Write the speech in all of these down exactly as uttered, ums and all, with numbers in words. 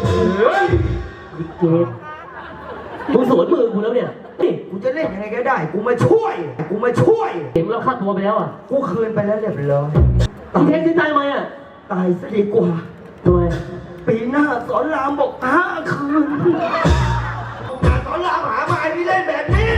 เฮ้ยลิเกมึงสวนมือกูแล้วเนี่ยกูจะเล่นยังไงก็ได้กูมาช่วยกูมาช่วยเห็นแล้วฆ่าตัวไปแล้วอ่ะกูคืนไปแล้วเรียบร้อยมึงแทงที่ตายไหมอ่ะตายซะดีกว่าด้วยปีหน้าสอนรามบอกห้าคืนงานสอนรามหามาไอ้ที่เล่นแบบนี้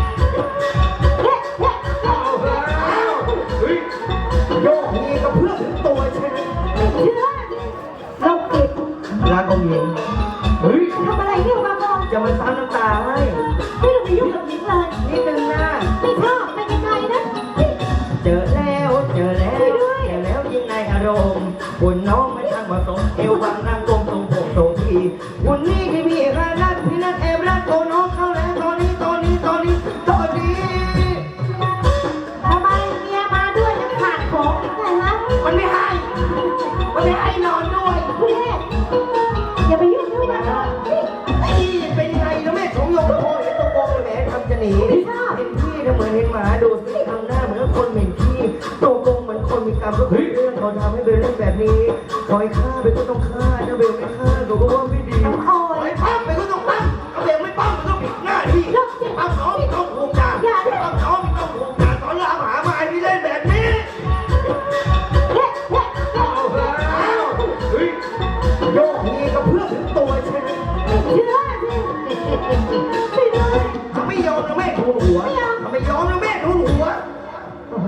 โยกนี้ก็เพื่อถึงตัวใช่ไหมไม่เชื่อเราเก็บรักองค์หญิงเฮ้ยทำอะไรเนี่ยมาก่อนจะมาซ้ำน้ำตาให้ไม่ต้องไปยุ่งกับหญิงเลยนิดนึงนะไม่ชอบเป็นยังไงนะเจอแล้วเจอแล้วเจอแล้วยิ่งในอารมณ์คุณน้องไม่ทันผสมเอวบางนางกลมตรงโผล่ตรงทีคุณนี่ที่พี่รักพี่นัทแอบรักตัวน้องเข้าแล้วตอนนี้ตอนนี้ตอนนี้ตอนนี้ทำไมเมียมาด้วยจะขาดของอีกไงฮะมันไม่ให้มันไม่ให้นอนด้วยพี่อย่าไปยุ่งด้วยนะไอ้เป็นไงแล้วแม่ของโยมพ่อเห็นตัวโกงแหมทำจะหนีเห็นพี่ทำเหมือนเห็นหมาดูสิทำหน้าเหมือนคนเหม็นขี้ตัวโกงเหมือนคนมีกรรมก็คือเรื่องเขาทำให้เบลเล่นแบบนี้ปล่อยฆ่าไปก็ต้องฆ่าถ้าเบลไม่ฆ่าเขาก็ว่าไม่ดีปล่อยปั้มไปก็ต้องปั้มถ้าเบลไม่ปั้มมันต้องผิดหน้าที่ปั้มน้องมีต้องผูกจานปั้มน้องมีต้องผูกจานสอนรามหามาไอ้ที่เล่นแบบนี้โยกนี้ก็เพื่อถึงตัวใช่ไหมไม่เชื่อสิไม่ได้ถ้าไม่ยอมแล้วแม่ทูลหัวถ้าไม่ยอมแล้วแม่ทูลหัวโอ้โห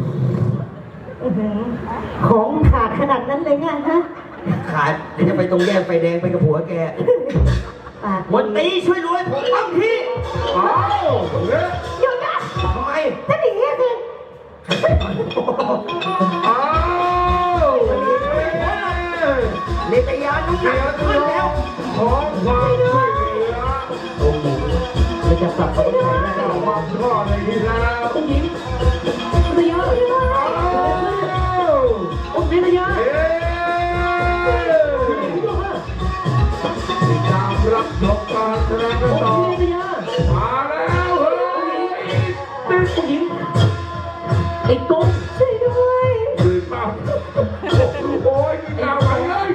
ของขาดขนาดนั้นเลยไงฮะขาดเดี๋ยวจะไปตรงแยกไฟแดงไปกับผัวแกวันตีช่วยรวยผมปั้มพี่อ้าวหยุดนะทำไมจะหนีสิอ้าวเนตยานุ่งหนักขึ้นแล้วของความช่วยเหลือโอ้โหไม่จะกลับมาต้องใช้ได้หรอกความรอดเลยทีแล้วองค์หญิงระยะองค์หญิงระยะตามรับชมการแสดงกันต่อมาแล้วเฮ้ยเป็นองค์หญิงไอ้กงช่วยด้วยตื่นมาโอ้ยกินข้าวไปเลย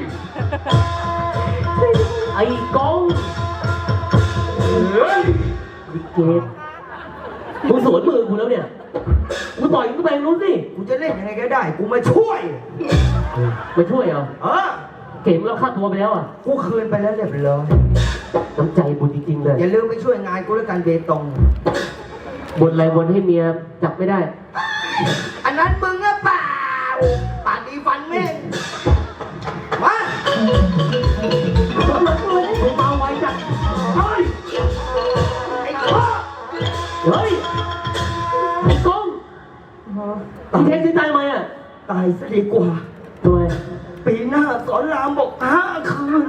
ไอ้กงเฮ้ยลิเกมึงสวนมือกูแล้วเนี่ยมึงต่อยมึงไปรู้สิกูจะเล่นยังไงก็ได้กูมาช่วยมาช่วยเหรอเออเก่งแล้วฆ่าตัวไปแล้วอ่ะกูคืนไปแล้วเรียบร้อยน้ำใจบุญจริงๆเลยอย่าลืมไปช่วยงานกูแล้วกันเบตงบนอะไรบนให้เมียจับไม่ได้อันนั้นมึงอะเปล่าปากดีฟันแม่งมามึงเมาไว้จัดเฮ้ยไอ้พ่อเฮ้ยไอ้กงมึงแทงที่ตายไหมอ่ะตายซะดีกว่าด้วยปีหน้าสอนรามบอกห้าคืน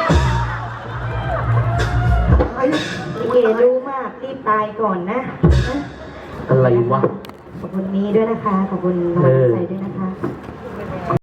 ไอ้เกรู้มากรีบตายก่อนนะอะไรวะขอบคุณนี้ด้วยนะคะขอบคุณกำลังใจด้วยนะคะ